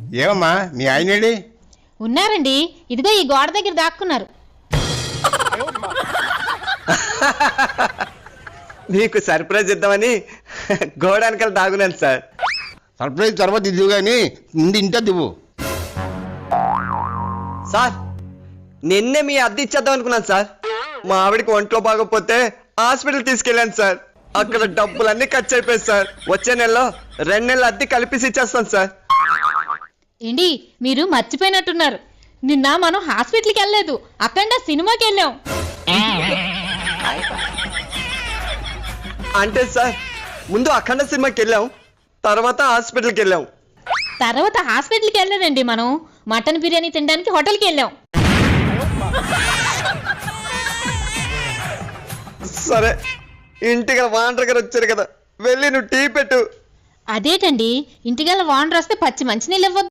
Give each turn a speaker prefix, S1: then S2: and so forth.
S1: ఏమమ్మా మీ ఆయనేడి?
S2: ఉన్నారండి, ఇదిగో ఈ గోడ దగ్గర దాక్కున్నారు.
S3: మీకు సర్ప్రైజ్ ఇద్దామని గోడానికల్ దాగున్నాను సార్.
S1: సర్ప్రైజ్ తర్వాత ఇదివు కానీ ముందు ఇంటే దివ్వు.
S3: సార్ నిన్నే మీ అద్దె ఇచ్చేద్దాం అనుకున్నాను సార్. మా ఆవిడికి ఒంట్లో బాగోకపోతే హాస్పిటల్ తీసుకెళ్ళాను సార్. అక్కడ డబ్బులన్నీ ఖర్చు అయిపోయాయి సార్. వచ్చే నెలలో 2 నెలల అద్దె కలిపేసి ఇచ్చేస్తాను సార్.
S2: ఏంటి మీరు మర్చిపోయినట్టున్నారు, నిన్న మనం హాస్పిటల్కి వెళ్ళలేదు, అక్కడ సినిమాకి వెళ్ళాం.
S3: అంటే సార్ ముందు అఖండ సినిమాకి వెళ్ళాం, తర్వాత హాస్పిటల్కి వెళ్ళాం.
S2: తర్వాత హాస్పిటల్కి వెళ్ళలేదండి, మనం మటన్ బిర్యానీ తినడానికి హోటల్కి వెళ్ళాం.
S3: సరే ఇంటికి వాండర్ గారు వచ్చారు కదా, వెళ్ళి నువ్వు టీ పెట్టు.
S2: అదేటండి, ఇంటికల్లా వాండర్ వస్తే పచ్చి మంచినీళ్ళు ఇవ్వద్దు.